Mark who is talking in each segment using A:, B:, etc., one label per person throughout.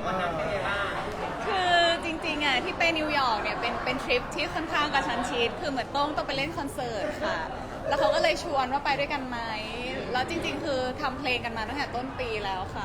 A: วันนั้นเป็นไงบ้าง
B: คือจริงๆอ่ะที่ไปนิวยอร์กเนี่ยเป็นทริปที่ค่อนข้างกระชั้นชิดคือเหมือนต้องไปเล่นคอนเสิร์ตค่ะแล้วเขาก็เลยชวนว่าไปด้วยกันไหมแล้วจริงๆคือทำเพลงกันมาตั้งแต่ต้นปีแล้วค่ะ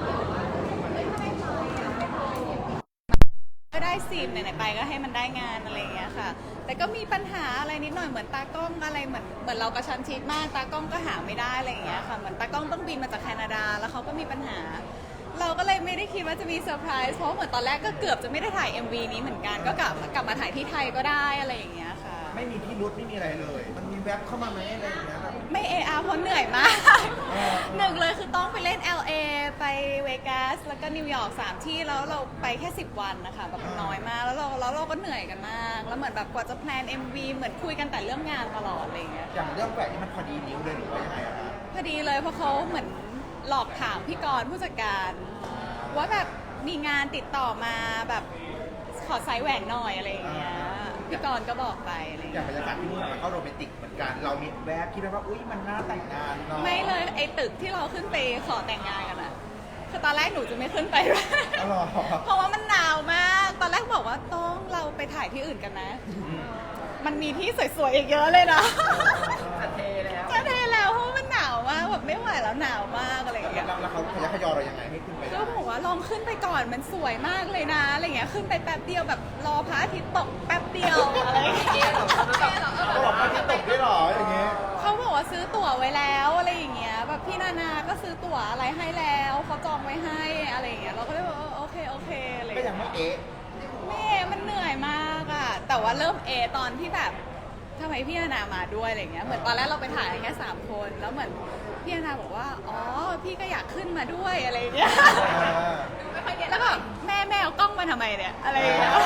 B: ก็ได้ซีมไหนๆไปก็ให้มันได้งานอะไรอย่างเงี้ยค่ะแต่ก็มีปัญหาอะไรนิดหน่อยเหมือนตากล้องอะไรเหมือนเรากระชั้นชิดมากตากล้องก็หาไม่ได้อะไรอย่างเงี้ยค่ะเหมือนตากล้องต้องบินมาจากแคนาดาแล้วเขาก็มีปัญหาเราก็เลยไม่ได้คิดว่าจะมีเซอร์ไพรส์เพราะเหมือนตอนแรกก็เกือบจะไม่ได้ถ่าย MV นี้เหมือนกันก็กลับมาถ่ายที่ไทยก็ได้อะไรอย่างเงี้ยค่ะ
C: ไม่มีพิรุธไม่มีอะไรเลยมันมีแว็บเข้ามาไหมอะไรอย่างเงี้ยแบบ
B: ไม่เพราะเหนื่อยมากหนึ่งเลยคือต้องไปเล่น LA ไปเวกัสแล้วก็นิวยอร์ก3ที่แล้วเราไปแค่10 วันนะคะแบบน้อยมากแล้วเราก็เหนื่อยกันมากแล้วเหมือนแบบกว่าจะแพลน MV เหมือนคุยกันแต่เรื่องงานตลอดอะไรอย่างเงี้ย
C: อย่างเรื่องแหวนนี่มันพอดีนิ้วเลยหรือว่ายังไงอะคะ
B: พอดีเลยเพราะเขาเหมือนหลอกถามพี่กรณ์ผู้จัดการว่าแบบมีงานติดต่อมาแบบขอไซส์แหวนหน่อยอะไรอย่างเงี้ยพี่กรณ์ก็บอกไปอะไรอย่าง
C: อย่า
B: เงี้
C: ง
B: ย
C: บรรยากาศที่นู่นมันก็โรแมนติกเหมือนกันเรามีแวบคิดว่าอุ้ยมันน่าแต่งงานเนาะ
B: ไม่เลยไอ้ตึกที่เราขึ้นไปขอแต่งงานกันอะคือตอนแรกหนูจะไม่ขึ้นไปด้วย
C: อ๋อเหรอ
B: เพราะว่ามันหนาวมากตอนแรกบอกว่าต้องเราไปถ่ายที่อื่นกันนะ มันมีที่สวยๆอีกเยอะเลยนะ
A: จะเทแล้ว
B: จะเทแล้วเพราะว่ามันหนาวมากแบบไม่ไหวแล้วหนาวมากอะไรอย่างเงี้ย
C: แล้วเขาขยันขยอเรายังไงให้ขึ้นไป
B: ก็บอกว่าลองขึ้นไปก่อนมันสวยมากเลยนะอะไรเงี้ยขึ้นไปแป๊บเดียวแบบรอพระอาทิตย์ตกแป๊บเดียวอะไรอย่างเงี้ย
C: เขาบอกว่าที่ตกด้วยเหรออย่างเงี้ย
B: เขาบอกว่าซื้อตั๋วไว้แล้วอะไรอย่างเงี้ยแบบพี่นานาก็ซื้อตั๋วอะไรให้แล้วเขาจองไว้ให้อะไรอย่างเงี้ยเราก็เลยบอกโอเคอะไร
C: ก็ยังไม่เอ๊ะ
B: แม่มันเหนื่อยมากอะแต่ว่าเริ่มตอนที่แบบทำไมพี่นานามาด้วยอะไรเงี้ยเหมือนตอนแรกเราไปถ่ายแค่3 คนแล้วเหมือนพี่นานาบอกว่าอ๋อพี่ก็อยากขึ้นมาด้วยอะไรเงี้ยแล้วก็แม่เอากล้องมาทำไมเนี่ยอะไรอย่างเงี้ย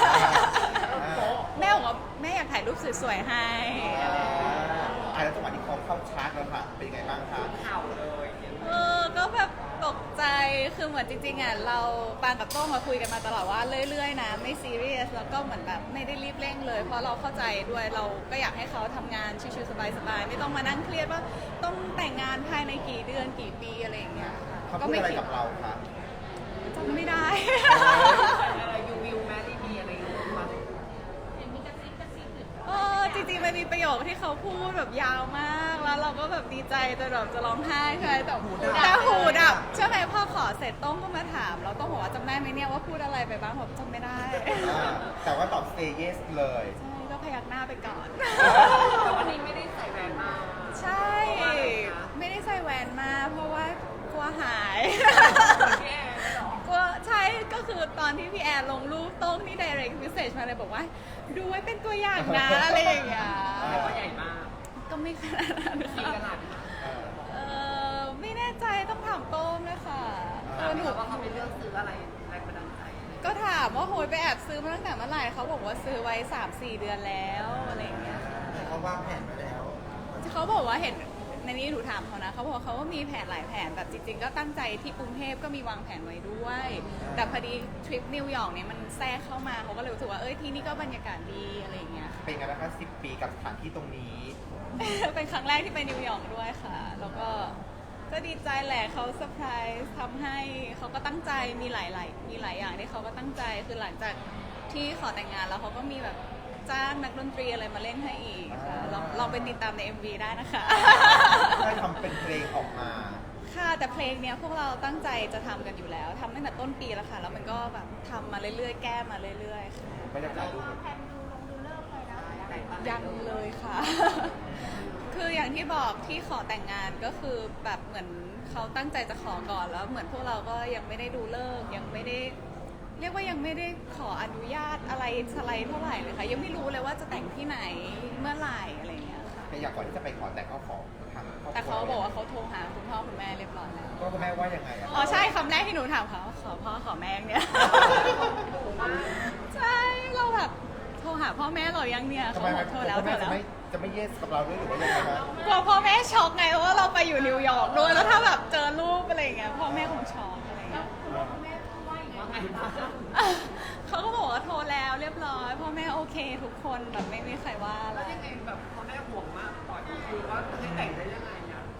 B: แม่บอกว่าแม่อยากถ่ายรูปสวยๆให้อะไรอย่างเงี้ย
C: แล้วจังหวะที่เขาเข้าชาร์จแล้วค่ะเป็นยังไงบ้างคะ
A: เข่าเลย
B: ก็แบบตกใจคือเหมือนจริงๆอ่ะเราปางกับโต้งมาคุยกันมาตลอดว่าเรื่อยๆนะไม่ซีเรียสแล้วก็เหมือนแบบไม่ได้รีบเร่งเลย เพราะเราเข้าใจด้วยเราก็อยากให้เขาทำงานชิวๆสบายๆไม่ต้องมานั่งเครียดว่าต้องแต่งงานภายในกี่เดือนกี่ปีอะไรอย่างเงี้ย
C: เขาพูดอะไรกับเราคะ
B: จำไม่ได้
A: อะไรยูวิวแมรี่มีอะไรอย่างเงี้ยมา
B: จริงๆมันมีประโยคที่เขาพูดแบบยาวมากแล้วเราก็แบบดีใจจนแบบจะร้องไห้ใช่ไหมแต่หูดับใช่ไหมพอขอเสร็จต้องก็มาถามเราต้องบอกว่าจำได้ไหมเนี่ยว่าพูดอะไรไปบ้างผมจำไม่ได้
C: แต่ว่าตอบ say yes เลย
B: ใช่ก็พยักหน้าไปก่อน
A: แต่วันนี้ไม่ได้ใส่แหวนมา
B: ใช่ ไม่ได้ใส่แหวนมาเพราะว่ากลัวหาย
A: พี่แอนเหรอก
B: ลัวใช่ก็คือตอนที่พี่แอนลงรูปโต้งนี่ direct message มาเลยบอกว่าดูไว้เป็นตัวอย่างนะ อะไรอย่างเงี้ย
A: แต่ว่าใหญ่มาก
B: ก็ไม่ขนาดนั้น
A: กี่
B: ค่ะ
A: กะลัด
B: ไม่แน่ใจต้องถามโต้งเลยค่ะหนู
A: ว่าเขาเป็นเรื่องซื้ออะไรแรงบันดาลใจ
B: ก็ถามว่าโหยไปแอบซื้อมาตั้งแต่เมื่อไหร่เขาบอกว่าซื้อไว้ 3-4 เดือนแล้วอะไรอย่างเงี้ย
C: เขาวางแผนไปแล้ว
B: เขาบอกว่าเห็นในนี้หนูถามเขานะเขาบอกว่าเขาก็มีแผนหลายแผนแบบจริงๆ ก็ตั้งใจที่กรุงเทพก็มีวางแผนไว้ด้วย แต่พอดีทริปนิวยอร์กเนี่ยมันแทรกเข้ามาเขาก็เลยรู้สึกว่าที่นี่ก็บรรยากาศดีอะไรอย่างเงี้ย
C: เป็นไงบ้างคะ10 ปีกับสถานที่ตรงนี้
B: เป็นครั้งแรกที่ไปนิวยอร์กด้วยค่ะ แล้วก็ดีใจแหละเขาเซอร์ไพรส์ทำให้เขาก็ตั้งใจมีหลายอย่างที่เขาก็ตั้งใจคือหลังจากที่ขอแต่งงานแล้วเขาก็มีแบบจ้างนักดนตรีอะไรมาเล่นให้อีกค่ะลองไปติดตามใน MV ได้นะคะ
C: ได้ทำเป็นเพลงออกมา
B: ค่ะแต่เพลงเนี้ยพวกเราตั้งใจจะทำกันอยู่แล้วทำตั้งแต่ต้นปีแล้วค่ะแล้วมันก็แบบทำมาเรื่อยๆแก้มาเรื่อยๆค่ะ
C: บรรยากาศดูเหมือน
B: ยังเลยค่ะ คืออย่างที่บอกที่ขอแต่งงานก็คือแบบเหมือนเขาตั้งใจจะขอก่อนแล้วเหมือนพวกเราก็ยังไม่ได้ดูเลิกษ์ยังไม่ได้เรียกว่ายังไม่ได้ขออนุญาตอะไรสไลด์เท่าไหร่เลยค่ะยังไม่รู้เลยว่าจะแต่งที่ไหนเมื่อไหร่อะไรอย่างเงี้ยค่ะ
C: แต่อย่างก่อนที่จะไปขอแต่งก็ขอทางครอบครัว
B: แต่เขาบอกว่าเขาโทรหาคุณพ่อคุณแม่เรียบร้อยแล้ว
C: ก็คุณแม่ว่ายังไงอะ
B: อ๋อใช่คำแรกที่หนูถามเขาขอพ่อขอแม่เนี่ย ใช่เราแบบโทรหาพ่อแม่เรายังเนี่ย
C: ทำ
B: เขา
C: ไม
B: บอกโทรแล้ว
C: คุณ
B: โทร
C: แม่
B: แล้ว
C: จะไม่เยสกับเราด้วยหรือว่ายังไงคะ
B: กลัวพ่อแม่ช็อกไงเพราะว่าเราไปอยู่นิวยอร์กด้วยแล้วถ้าแบบเจอรูปอะไรอย่างเงี้ยพ่อแม่คงช็อกอะไรอย่างเงี้ย
A: ว่าไงบ้าง
B: เขาก็บอกว่าโทรแล้วเรียบร้อยพ่อแม่โอเคทุกคนแบบไม่มีใครว่าอะไร
A: แล้วยังไงแบบพ่อแม่ห่วงมากก่อนคือว่าให้แต่งได้ยังไงอ่ะ
B: แต่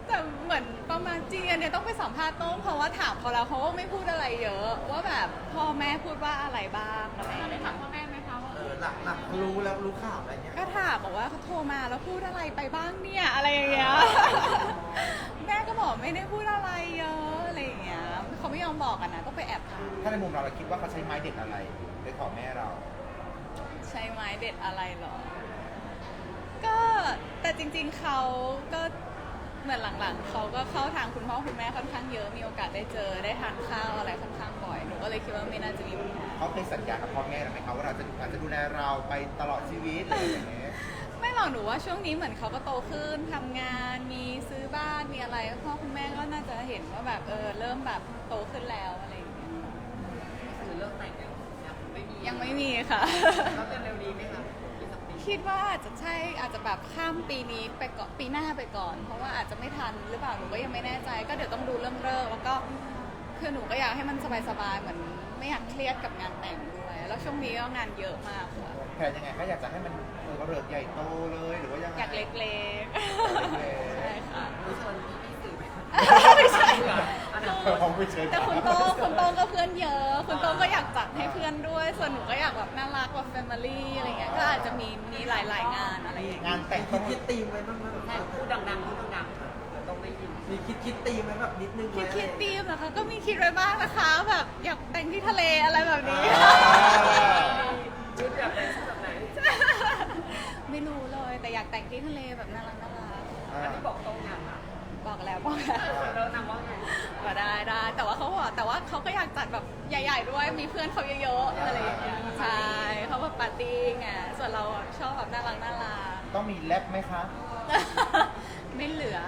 B: เหมือนประมาณจริงอันเนี่ยต้องไปสัมภาษณ์โต้งเพราะว่าถามเขาแล้วเขาก็ไม่พูดอะไรเยอะว่าแบบพ่อแม่พูดว่าอะไรบ้างอะไรอย่างเงี้ย
A: ถามพ่อแม่ไหมคะว่า
D: หลักรู้แล้วรู้ข่าวอะไรเงี้ย
B: ก็ถามบอกว่าเขาโทรมาแล้วพูดอะไรไปบ้างเนี่ยอะไรอย่างเงี้ย แม่ก็บอกไม่ได้พูดอะไรเยอะอะไรอย่างเงี้ยเขาไม่ยอมบอกกันนะต้องไปแอบถาม
C: ถ้าในมุมเราคิดว่าเขาใช้ไม้เด็ดอะไรไปขอแม่เรา
B: ใช้ไม้เด็ดอะไรหรอ ก็แต่จริงๆเขาก็เหมือนหลังๆเขาก็เข้าทางคุณพ่อคุณแม่ค่อนข้างเยอะมีโอกาสได้เจอได้ทานข้าวอะไรค่อนข้างบ่อยหนูก็เลยคิดว่าไม่น่าจะมีปัญหา
C: เขาเคยสัญญากับพ่อแม่เราไหมคะว่าเราจะดูแลเราไปตลอดชีวิตอะไรอย่างเงี้ย
B: ไม่หรอกหนูว่าช่วงนี้เหมือนเขาก็โตขึ้นทำงานมีซื้อบ้านมีอะไรพ่อคุณแม่ก็น่าจะเห็นว่าแบบเริ่มแบบโตขึ้นแล้วอะไรอย่างเงี้ย
A: คือเลิกแต่งยังไม่มี
B: ยังไม่มีค่ะ
A: แล้วจะเร็วนี้ไหมคะอีกสักปี
B: คิดว่าอาจจะใช่อาจจะแบบข้ามปีนี้ไปก่อนปีหน้าไปก่อน เพราะว่าอาจจะไม่ทันหรือเปล่าหนูก็ยังไม่แน่ใจ ก็เดี๋ยวต้องดูเรื่องเลิกแล้วก็คือหนูก็อยากให้มันสบายๆเหมือนไม่อยากเครียดกับงานแต่งด้วยแล้วช่วงนี้ก็งานเยอะมากค่ะ
C: แผนยังไงคะอยากจะให้มันเริกใหญ่โตเลยหรือว่ายังไง
B: อยากเล็ก
C: เล็ก
B: ๆใช่ค่ะ
A: รู้ชวนพี่สื่อไหมคะ
B: ไม่ใช่
A: อันนั้น
C: ๆผมไม่เชิญ
B: แต่คุณโต้งก็เพื่อนเยอะ คุณโต้งก็อยากจัดให้เพื่อนด้วย ส่วนหนูก็อยากแบบน่ารักแบบแฟมิลี่อะไรเงี้ย ก็อาจจะมีหลายๆงานอะไรอย่างเงี้ย
C: งานแต่ง
D: คิดตีมไว้บ้างไหม
A: ใช่พูดดังๆพูดดังๆต้องได้ยิน
D: มีคิดตีมไว้แบบนิดนึงไหม
B: คิดธีมเหรอคะ ก็มีคิดไว้บ้างนะคะ แบบอยากแต่งที่ทะเลอะไรแบบนี้
A: ชุดแบบไหนชุดแบบไหน
B: ไม่รู้เลย แต่อยากแต่งที่ทะเลแบบน่ารัก
A: อันนี้บอกตรงอย่างค่ะ
B: บอกแล้วบอกแล้ว
A: แล้วนางว่าไง
B: ก็ได้แต่ว่าเขาบอกแต่ว่าเขาก็อยากจัดแบบใหญ่ ๆ ด้วย มีเพื่อนเขาเยอะๆอะไรอย่างเงี้ย ใช่เขาแบบปาร์ตี้ไง ส่วนเราชอบแบบน่ารัก
C: ต้องมีแรปไหมคะ
B: ไม่เหลือ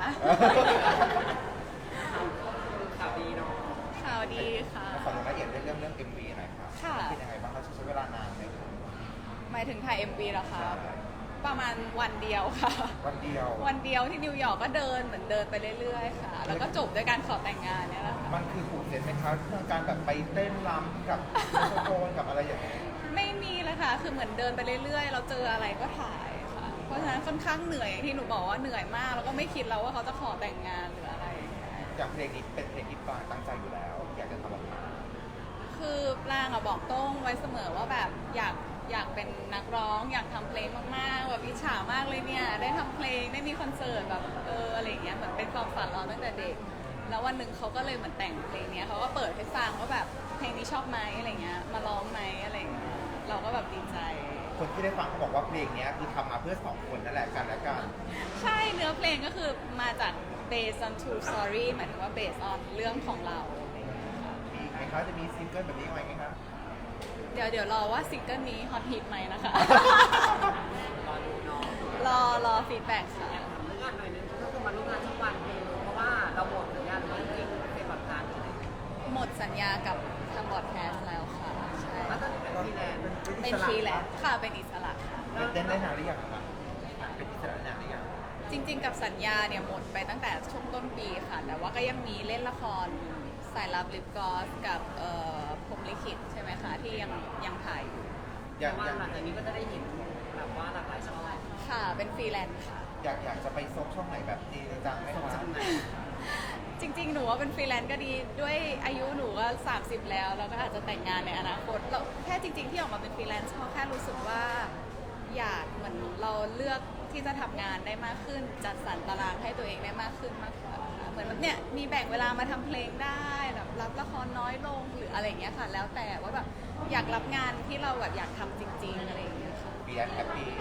A: ข่าวดีเนาะ
B: ข่าวดีค่ะ
C: ขอรายละเอียดเรื่อง MV หน่อยครับ
B: ค่ะ
C: เป็นยังไงบ้างเขาใช้เวลานานไหม
B: หมายถึงถ่าย MV เหรอคะ ประมาณวันเดียวค่ะ
C: วันเดียว
B: วันเดียวที่นิวยอร์กก็เดินเหมือนเดินไปเรื่อยๆ ค่ะ แล้วก็จบด้วยการขอแต่งงานเนี่ยแหละค่ะ
C: มันคือผูกเซ็นไหมคะเรื่องการแบบไปเต้นรำกับโซโคนกับอะไรอย่างเงี้ย
B: ไม่มีเลยค่ะ คือเหมือนเดินไปเรื่อยๆ เราเจออะไรก็ถ่ายค่ะ เพราะฉะนั้นค่อนข้างเหนื่อยอย่างที่หนูบอกว่าเหนื่อยมาก แล้วก็ไม่คิดแล้วว่าเขาจะขอแต่งงานหรืออะไรอย่างเงี้ย
C: อย่างเพลงนี้เป็นเพลงที่ปางตั้งใจอยู่แล้ว อยากจะทำออกมา
B: คือปรางอะบอกโต้งไว้เสมอว่าแบบอยากเป็นนักร้อง อยากทำเพลงมากๆแบบอิจฉามากเลยเนี่ยได้ทำเพลงได้มีคอนเสิร์ตแบบอะไรอย่างเงี้ยเหมือนเป็นความฝันเราตั้งแต่เด็ก แล้ววันหนึ่งเขาก็เลยเหมือนแต่งเพลงเนี้ยเขาก็เปิดให้ฟังว่าแบบเพลงนี้ชอบไหมอะไรเงี้ยมาร้องไหมอะไรเงี้ยเราก็แบบดีใจ
C: คนที่ได้ฟังเขาบอกว่าเพลงเนี้ยคือทำมาเพื่อสองคนนั่นแหละกันและกัน
B: ใช่เนื้อเพลงก็คือมาจาก based on true story หมายถึงว่า based on เรื่องของเราอะไรอย่างเงี้ยค่ะ
C: มีไหมคะจะมีซิงเกิลแบบนี้ไหมคะ
B: เดี๋ยวรอว่าซิงเกิลนี้ฮอตฮิตไหมนะคะ
A: รอดูเนาะ
B: รอฟีดแบ็กค่ะ
A: อยากถามเรื่องงานหน่อยนึงก็คือมาร่วมงานทุกวันเพราะว่าเราหมดสัญญาณจริงๆเป็นแบบการอะไร
B: หมดสัญญากับทางบอดแคสต์แล้วค่ะ ใช่
A: แล้วตอนนี้เป็นฟรีแลนซ์
B: เป็นฟรีแลนซ์ค่ะ เป็นอิสระค่ะ
C: เต้นได้นานหรือยังคะเป็นอิสระนานหรือยัง
B: จริงๆ กับสัญญาเนี่ยหมดไปตั้งแต่ช่วงต้นปีค่ะ แต่ว่าก็ยังมีเล่นละครสายลับลิปกอสกับพรหมลิขิตใช่ไหมคะ ที่ยังถ่ายอยู่
C: อยาก
A: ว่าหลังจากนี้ก็จะได้เห็นแบบว่าหลากหลายช่อง
B: ค่ะ เป็นฟรีแลนซ์ค่ะ
C: อยากจะไปซบช่องไหนแบบจริงจังไหมคะ
B: จริงๆ หนูว่าเป็นฟรีแลนซ์ก็ดีด้วยอายุหนูก็30 แล้วแล้วก็อาจจะแต่งงานในอนาคตเราแค่จริง ๆ ที่ออกมาเป็นฟรีแลนซ์เพราะแค่รู้สึกว่าอยากเหมือนเราเลือกที่จะทำงานได้มากขึ้น จัดสรรตารางให้ตัวเองได้มากขึ้นมากกว่าค่ะเหมือนแบบเนี่ยมีแบ่งเวลามาทำเพลงได้แบบรับละครน้อยลงหรืออะไรอย่างเงี้ยค่ะ แล้วแต่ว่าแบบอยากรับงานที่เราแบบอยากทำจริง ๆ อะไรอย่างเงี้ยค่ะ
C: เบียร์แฮปปี้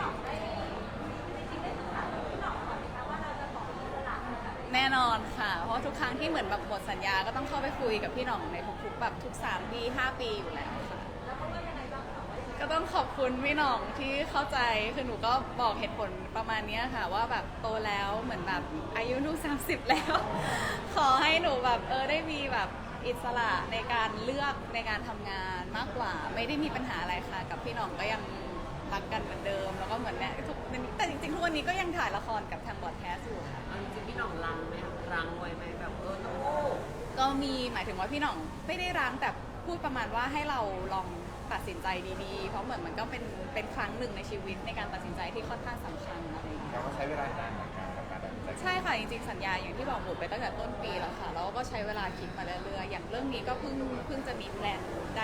B: แน่นอนค่ะ เพราะทุกครั้งที่เหมือนแบบหมดสัญญาก็ต้องเข้าไปคุยกับพี่หน่องในทุกๆแบบทุก3 ปี 5 ปีอยู่แล้วค่ะ ก็ต้องขอบคุณพี่หน่องที่เข้าใจ คือหนูก็บอกเหตุผลประมาณเนี้ยค่ะ ว่าแบบโตแล้วเหมือนแบบอายุหนู30 แล้ว ขอให้หนูแบบได้มีแบบอิสระในการเลือกในการทำงานมากกว่า ไม่ได้มีปัญหาอะไรค่ะ กับพี่หน่องก็ยังรักกันเหมือนเดิม แล้วก็เหมือนเนี่ยแต่จริงๆทุกวันนี้ก็ยังถ่ายละครกับทางบอดแคสต์อยู่ค่ะ
A: จริงๆพี่หน่องรังไหมคะรังไว้ไหมแบบน้องโอ้
B: ก็มีหมายถึงว่าพี่หน่องไม่ได้ร้างแต่พูดประมาณว่าให้เราลองตัดสินใจดีๆ เพราะเหมือนมันก็เป็นครั้งหนึ่งในชีวิตในการตัดสินใจที่ค่อนข้างสำคัญอะไรอย่างเงี้ย
C: เราก็ใช้เวลานานเหมือนกันกับการตัดสินใจ
B: ใช่ค่ะจริงๆสัญญาอย่างที่บอกหมดไปตั้งแต่ต้นปีแล้วค่ะแล้วก็ใช้เวลาคิดมาเรื่อยๆอย่างเรื่องนี้ก็เพิ่งจะมีแพลนได้